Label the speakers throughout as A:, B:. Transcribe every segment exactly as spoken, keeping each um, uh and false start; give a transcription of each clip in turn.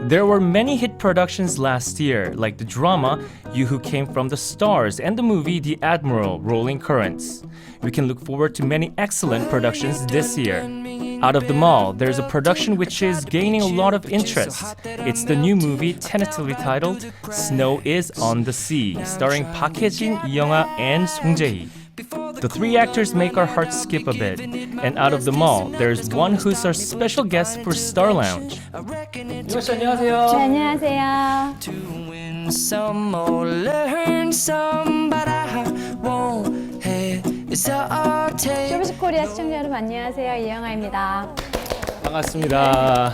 A: There were many hit productions last year, like the drama You Who Came From the Stars and the movie The Admiral Rolling Currents. We can look forward to many excellent productions this year. Out of them all, there's a production which is gaining a lot of interest. It's the new movie tentatively titled Snow is on the Sea, starring Park Hye-jin, Lee Young-ah, and Song Jae-hee. The three actors make our hearts skip a bit. And out of them all, there's one who's our special guest for Star Lounge.
B: 이모 씨 안녕하세요.
C: 네, 안녕하세요.
D: To win some or learn some, but I won't hesitate.
C: 쇼비즈 코리아 시청자 여러분 안녕하세요. 이영아입니다.
A: 반갑습니다.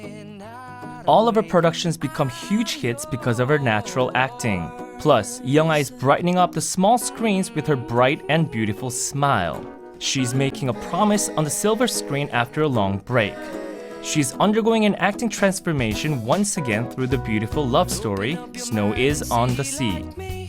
A: All of her productions become huge hits because of her natural acting. Plus, Lee Young-ah is brightening up the small screens with her bright and beautiful smile. She's making a promise on the silver screen after a long break. She's undergoing an acting transformation once again through the beautiful love story Snow is on the Sea.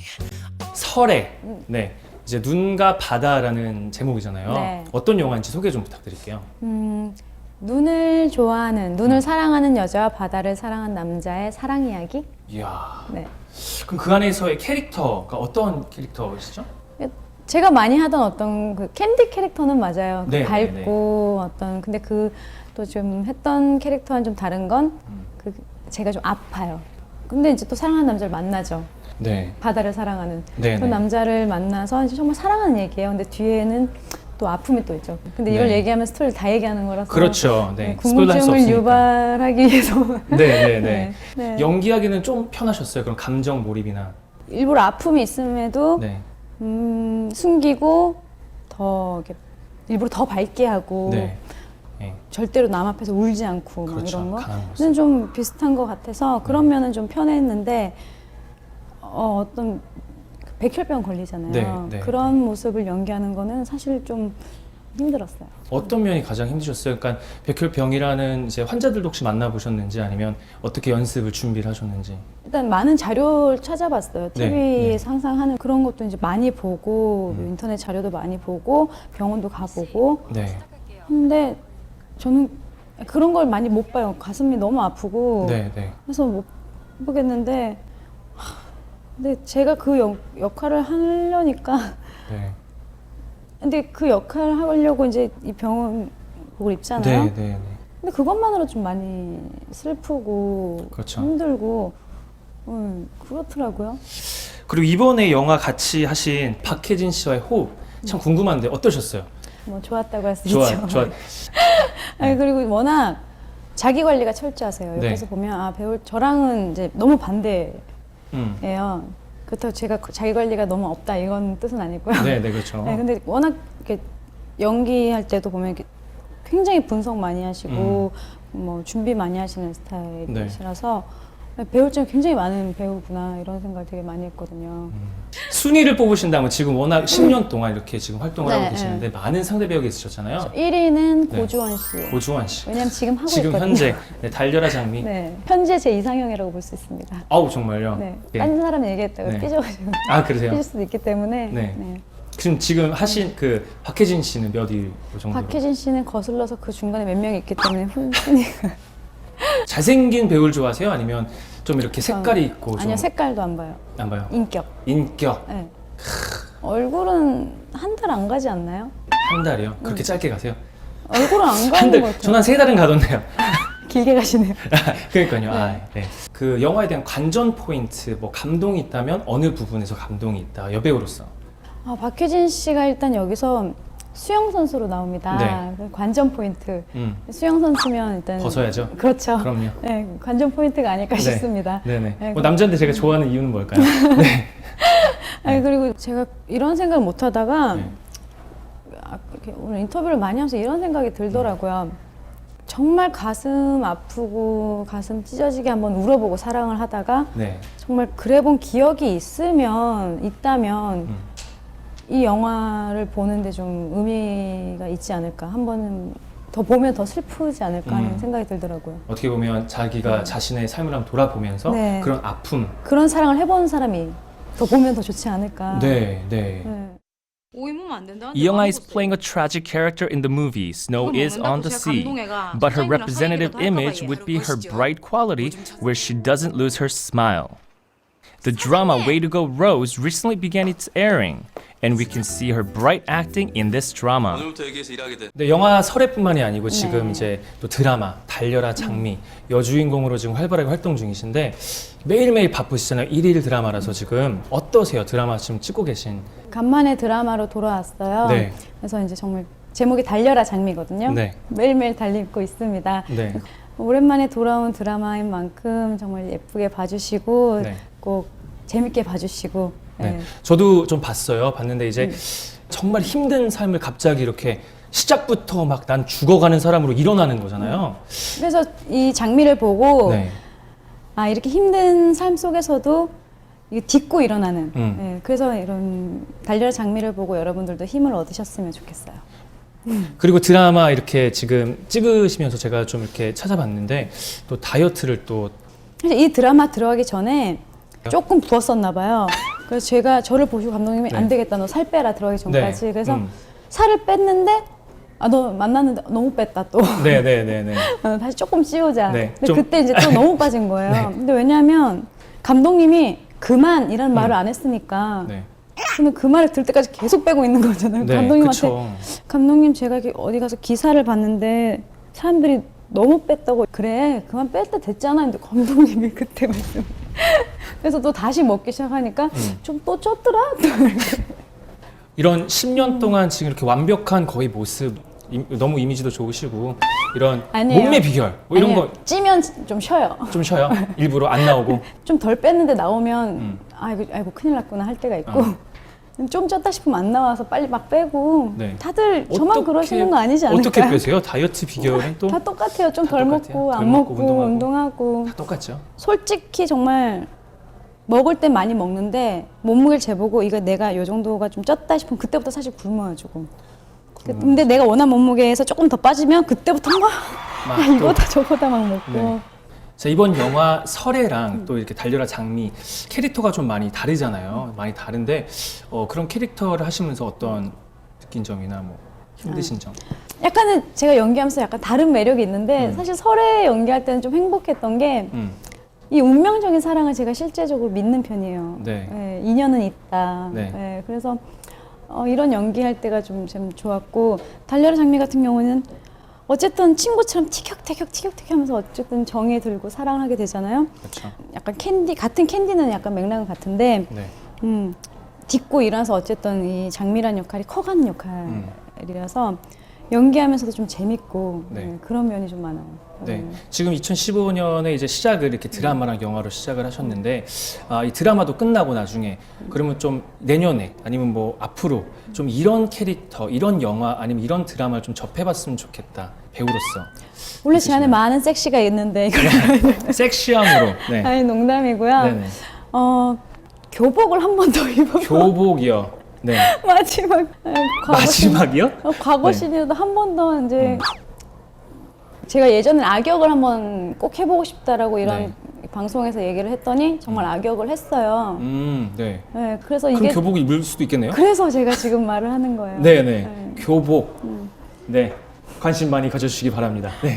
A: 설에, 네, 이제 눈과 바다라는 제목이잖아요.
C: 네.
A: 어떤 영화인지 소개 좀 부탁드릴게요.
C: 음, 눈을 좋아하는, 눈을 사랑하는 여자와 바다를 사랑한 남자의 사랑 이야기?
A: 이야.
C: 네.
A: 그럼 그 안에서의 캐릭터가 어떤 캐릭터시죠?
C: 제가 많이 하던 어떤 그 캔디 캐릭터는 맞아요.
A: 네,
C: 밝고 어떤 근데 그 또 좀 했던 캐릭터와는 좀 다른 건 그 제가 좀 아파요. 근데 이제 또 사랑하는 남자를 만나죠.
A: 네.
C: 바다를 사랑하는
A: 네,
C: 그
A: 네.
C: 남자를 만나서 이제 정말 사랑하는 얘기예요. 근데 뒤에는 또 아픔이 또 있죠. 근데 이걸
A: 네.
C: 얘기하면 스토리를 다 얘기하는 거라서
A: 그렇죠. 네.
C: 네,
A: 스포일러 할수
C: 궁금증을
A: 없으니까.
C: 유발하기 위해서
A: 네, 네, 네.
C: 네, 네.
A: 연기하기는 좀 편하셨어요. 그런 감정 몰입이나.
C: 일부러 아픔이 있음에도
A: 네.
C: 음, 숨기고 더 이렇게 일부러 더 밝게 하고
A: 네. 네.
C: 절대로 남 앞에서 울지 않고 막
A: 그렇죠.
C: 이런
A: 강한 모습.
C: 거는 좀 비슷한 것 같아서 그런 면은 좀 편했는데 어, 어떤 백혈병 걸리잖아요.
A: 네, 네,
C: 그런 모습을 연기하는 거는 사실 좀 힘들었어요.
A: 어떤 면이 가장 힘드셨어요? 그러니까 백혈병이라는 이제 환자들도 혹시 만나보셨는지 아니면 어떻게 연습을 준비를 하셨는지.
C: 일단 많은 자료를 찾아봤어요.
A: 네,
C: 티비에서 항상 하는 그런 것도 이제 많이 보고
A: 음.
C: 인터넷 자료도 많이 보고 병원도 가보고
A: 네.
C: 근데 저는 그런 걸 많이 못 봐요. 가슴이 너무 아프고
A: 네, 네.
C: 그래서 못 보겠는데 하, 근데 제가 그 역, 역할을 하려니까
A: 네.
C: 근데 그 역할을 하려고 이제 이 병원복을 입잖아요.
A: 네, 네, 네.
C: 근데 그것만으로 좀 많이 슬프고
A: 그렇죠.
C: 힘들고 음, 그렇더라고요.
A: 그리고 이번에 영화 같이 하신 박혜진 씨와의 호흡 참 궁금한데 어떠셨어요?
C: 뭐 좋았다고 할 수
A: 좋아,
C: 있죠.
A: 좋아.
C: 아니, 그리고 워낙 자기 관리가 철저하세요.
A: 네.
C: 옆에서 보면 아 배우 저랑은 이제 너무 반대예요.
A: 음.
C: 그렇다고 제가 자기 관리가 너무 없다 이건 뜻은 아니고요.
A: 네, 네, 그렇죠.
C: 네, 근데 워낙 이렇게 연기할 때도 보면 이렇게 굉장히 분석 많이 하시고 뭐 준비 많이 하시는 스타일이시라서 배울 점이 굉장히 많은 배우구나 이런 생각을 되게 많이 했거든요.
A: 순위를 뽑으신다면 지금 워낙 십 년 동안 이렇게 지금 활동을
C: 네,
A: 하고 계시는데 많은 상대 배우가 있으셨잖아요.
C: 일 위는
A: 네.
C: 고주원 씨.
A: 고주환 씨.
C: 왜냐면 지금 하고
A: 지금
C: 있거든요.
A: 현재 네, 달려라 장미.
C: 네, 현재 제 이상형이라고 볼 수 있습니다.
A: 아우 정말요.
C: 네,
A: 예.
C: 딴 사람 얘기했다가
A: 네.
C: 삐져가지고
A: 아 그러세요?
C: 삐질 수도 있기 때문에.
A: 네.
C: 네.
A: 지금 지금 하신 그 박혜진 씨는 몇 위 정도?
C: 박혜진 씨는 거슬러서 그 중간에 몇 명이 있기 때문에 훈- 순위가
A: 잘생긴 배우를 좋아하세요? 아니면 좀 이렇게 색깔이 있고 좀
C: 아니요 색깔도 안 봐요.
A: 안 봐요.
C: 인격.
A: 인격
C: 네. 얼굴은 한 달 안 가지 않나요?
A: 한 달이요. 그렇게 짧게 가세요?
C: 얼굴은 안
A: 한
C: 가는
A: 달.
C: 것 같아요.
A: 저는 한 세 달은 가던데요.
C: 길게 가시네요.
A: 그러니까요. 아, 네. 그 영화에 대한 관전 포인트, 뭐 감동이 있다면 어느 부분에서 감동이 있다. 여배우로서.
C: 아, 박혜진 씨가 일단 여기서 수영 선수로 나옵니다.
A: 네.
C: 그 관전 포인트.
A: 음.
C: 수영 선수면 일단
A: 벗어야죠.
C: 그렇죠.
A: 그럼요.
C: 네, 관전 포인트가 아닐까
A: 네.
C: 싶습니다.
A: 네네.
C: 네,
A: 뭐 남자인데 제가 좋아하는 이유는 뭘까요? 네.
C: 아니 그리고 제가 이런 생각을 못 하다가
A: 네.
C: 아, 이렇게 오늘 인터뷰를 많이 하면서 이런 생각이 들더라고요. 정말 가슴 아프고 가슴 찢어지게 한번 울어보고 사랑을 하다가
A: 네.
C: 정말 그래본 기억이 있으면 있다면
A: 음.
C: 이 영화를 보는데 좀 의미가 있지 않을까 한 번은 더 보면 더 슬프지 않을까 하는
A: 음.
C: 생각이 들더라고요.
A: 어떻게 보면 자기가
C: 네.
A: 자신의 삶을 한번 돌아보면서
C: 네.
A: 그런 아픔.
C: 그런 사랑을 해본 사람이 더 보면 더 좋지 않을까.
A: 네, 네.
C: 네.
B: 오이 먹으면 안 된다.
A: Lee Young-ah is playing a tragic character in the movie Snow is on the Sea, but her representative image would be her bright quality where she doesn't lose her smile. The drama Way to Go Rose recently began its airing, and we can see her bright acting in this drama.
E: 오늘부터 여기에서 일하게 된.
F: 네, 영화 설애뿐만이 아니고 지금
C: 네.
F: 이제 또 드라마 달려라 장미 여주인공으로 지금 활발하게 활동 중이신데 매일매일 바쁘시잖아요. 일일 드라마라서 지금 어떠세요? 드라마 지금 찍고 계신.
C: 간만에 드라마로 돌아왔어요.
F: 네.
C: 그래서 이제 정말 제목이 달려라 장미거든요.
F: 네.
C: 매일매일 달리고 있습니다.
F: 네.
C: 오랜만에 돌아온 드라마인 만큼 정말 예쁘게 봐주시고
F: 네.
C: 꼭 재밌게 봐주시고.
F: 네.
C: 네.
F: 저도 좀 봤어요. 봤는데 이제
C: 음.
F: 정말 힘든 삶을 갑자기 이렇게 시작부터 막 난 죽어가는 사람으로 일어나는 거잖아요.
C: 그래서 이 장미를 보고
F: 네.
C: 아 이렇게 힘든 삶 속에서도 이게 딛고 일어나는.
F: 음.
C: 네, 그래서 이런 달려라 장미를 보고 여러분들도 힘을 얻으셨으면 좋겠어요.
F: 그리고 드라마 이렇게 지금 찍으시면서 제가 좀 이렇게 찾아봤는데 또 다이어트를 또
C: 사실 이 드라마 들어가기 전에 조금 부었었나 봐요. 그래서 제가 저를 보시고 감독님이
F: 네.
C: 안 되겠다 너 살 빼라 들어가기 전까지.
F: 네.
C: 그래서
F: 음.
C: 살을 뺐는데 아 너 만났는데 너무 뺐다 또.
F: 네네네네.
C: 어, 다시 조금 찌우자.
F: 네,
C: 근데
F: 좀-
C: 그때 이제 또 너무 빠진 거예요.
F: 네.
C: 근데 왜냐하면 감독님이 그만이라는
F: 음.
C: 말을 안 했으니까
F: 네.
C: 저는 그 말을 들 때까지 계속 빼고 있는 거잖아요.
F: 네.
C: 감독님한테
F: 그쵸.
C: 감독님 제가 이렇게 어디 가서 기사를 봤는데 사람들이 너무 뺐다고 그래 그만 뺄 때 됐잖아. 근데 감독님이 그때 말씀. 그래서 또 다시 먹기 시작하니까
F: 음.
C: 좀 또 쪘더라.
F: 이런 십 년 동안 지금 이렇게 완벽한 거의 모습 이- 너무 이미지도 좋으시고 이런
C: 아니에요.
F: 몸매 비결 뭐 이런
C: 아니에요. 찌면 좀 쉬어요.
F: 거 좀 쉬어요. 일부러 안 나오고.
C: 좀 덜 뺐는데 나오면
F: 음.
C: 아이고 아이고 큰일 났구나 할 때가 있고
F: 어.
C: 좀 쪘다 싶으면 안 나와서 빨리 막 빼고.
F: 네.
C: 다들 저만
F: 어떻게-
C: 그러시는 거 아니지 않을까요?
F: 어떻게 빼세요? 다이어트 비결은 또
C: 다 똑같아요. 좀
F: 다
C: 덜
F: 똑같아요.
C: 먹고
F: 덜
C: 안
F: 먹고
C: 먹고
F: 운동하고.
C: 운동하고.
F: 다 똑같죠.
C: 솔직히 정말 먹을 땐 많이 먹는데 몸무게를 재보고 이거 내가 요 정도가 좀 쪘다 싶으면 그때부터 사실 굶어요 조금. 근데 내가 원한 몸무게에서 조금 더 빠지면 그때부터 막
F: 막
C: 야,
F: 또-
C: 이거다 저거다 막 먹고.
F: 네. 자, 이번 영화 설애랑 또 이렇게 달려라 장미 캐릭터가 좀 많이 다르잖아요. 많이 다른데 어, 그런 캐릭터를 하시면서 어떤 느낀 점이나 뭐 힘드신 점.
C: 약간은 제가 연기하면서 약간 다른 매력이 있는데
F: 음.
C: 사실 설에 연기할 때는 좀 행복했던 게 이
F: 음.
C: 운명적인 사랑을 제가 실제적으로 믿는 편이에요.
F: 네.
C: 예, 인연은 있다.
F: 네.
C: 예, 그래서 어, 이런 연기할 때가 좀, 좀 좋았고 달려라 장미 같은 경우는 어쨌든 친구처럼 티격태격 티격태격 하면서 어쨌든 정이 들고 사랑하게 되잖아요.
F: 그렇죠.
C: 약간 캔디 같은 캔디는 약간 맥락은 같은데
F: 네.
C: 음, 딛고 일어나서 어쨌든 이 장미란 역할이 커가는 역할이라서 연기하면서도 좀 재밌고
F: 네.
C: 네, 그런 면이 좀 많아요.
F: 네.
C: 음.
F: 지금 이천십오 년에 이제 시작을 이렇게 드라마랑 영화로 시작을 하셨는데 아, 이 드라마도 끝나고 나중에 그러면 좀 내년에 아니면 뭐 앞으로 좀 이런 캐릭터, 이런 영화 아니면 이런 드라마를 좀 접해봤으면 좋겠다 배우로서.
C: 원래 제 안에 많은 섹시가 있는데 이걸
F: 섹시함으로. 네.
C: 아니 농담이고요.
F: 네네.
C: 어, 교복을 한 번 더 입어.
F: 교복이요. 네.
C: 마지막 아, 과거
F: 마지막이요?
C: 신, 어, 과거
F: 네.
C: 신이라도 한 번 더 이제
F: 음.
C: 제가 예전에 악역을 한번 꼭 해보고 싶다라고 이런
F: 네.
C: 방송에서 얘기를 했더니 정말 악역을 했어요.
F: 음, 네.
C: 네, 그래서
F: 그럼
C: 이게
F: 교복을 입을 수도 있겠네요.
C: 그래서 제가 지금 말을 하는 거예요.
F: 네네.
C: 네.
F: 교복. 네. 관심 많이 가져주시기 바랍니다. 네.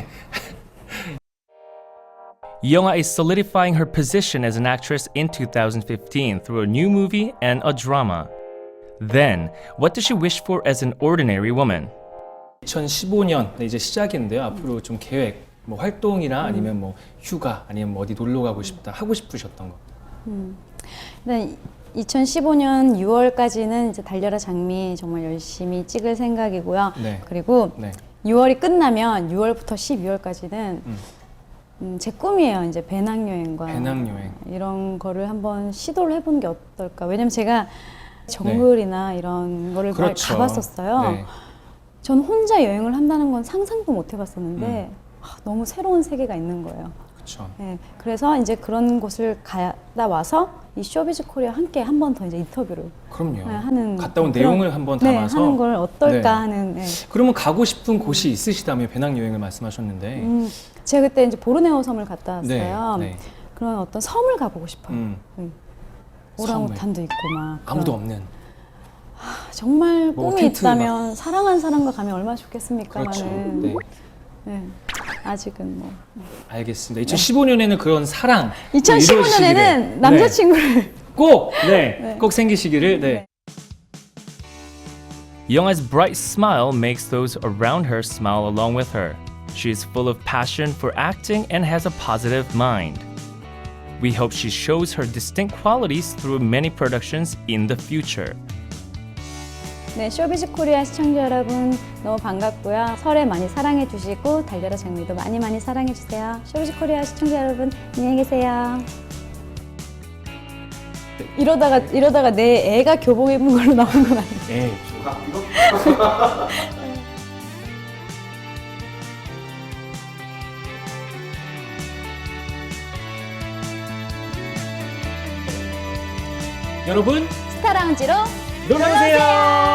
A: Lee Young-ah is solidifying her position as an actress in two thousand fifteen through a new movie and a drama. Then, what does she wish for as an ordinary woman?
F: 이천십오 년 이제 시작인데요. 앞으로 좀 계획, 뭐 활동이나 아니면 뭐 휴가, 아니면 뭐 어디 놀러 가고 싶다 하고 싶으셨던 거.
C: 네, 이천십오 년 유월까지는 이제 달려라 장미 정말 열심히 찍을 생각이고요.
F: 네.
C: 그리고
F: 네.
C: 유월이 끝나면 유월부터 십이월까지는
F: 음.
C: 음, 제 꿈이에요. 이제 배낭여행과
F: 배낭여행.
C: 이런 거를 한번 시도를 해보는 게 어떨까. 왜냐면 제가 정글이나 이런 거를 많이
F: 그렇죠.
C: 가봤었어요.
F: 네.
C: 전 혼자 여행을 한다는 건 상상도 못 해봤었는데
F: 음.
C: 아, 너무 새로운 세계가 있는 거예요.
F: 그렇죠.
C: 네, 그래서 이제 그런 곳을 가다 와서 이 쇼비즈 코리아 함께 한 번 더 이제 인터뷰를
F: 그럼요.
C: 네, 하는
F: 갔다 온
C: 그런-
F: 내용을 한번
C: 네,
F: 담아서
C: 하는 걸 어떨까
F: 네.
C: 하는. 네.
F: 그러면 가고 싶은 곳이 있으시다며 배낭여행을 말씀하셨는데.
C: 음, 제가 그때 이제 보르네오 섬을 갔다 왔어요.
F: 네. 네.
C: 그런 어떤 섬을 가보고 싶어요.
F: 음.
C: 네. 오랑우탄도 있고 막
F: 아무도
C: 그런.
F: 없는.
C: 정말
F: 뭐
C: 꿈이
F: 텐트
C: 있다면 사랑하는 사람과 가면 얼마나 좋겠습니까만은.
F: 그렇죠. 네.
C: 네. 아직은 뭐.
F: 알겠습니다. 이천십오 년에는 그런 사랑
C: 이천십오 년에는
F: 이루어지기를.
C: 남자친구를
F: 네. 꼭, 네,
C: 네.
F: 꼭 생기시기를. 네.
C: 네.
A: Younga's bright smile makes those around her smile along with her. She is full of passion for acting and has a positive mind. We hope she shows her distinct qualities through many productions in the future.
C: 네, 쇼비즈 코리아 시청자 여러분 너무 반갑고요. 설에 많이 사랑해 주시고 달려라 장미도 많이 많이 사랑해 주세요. 쇼비즈 코리아 시청자 여러분 안녕히 계세요. 이러다가 이러다가 내 애가 교복 입은 걸로 나온 건 아니에요.
F: 네. 여러분
C: 스타라운지로
F: 놀러오세요.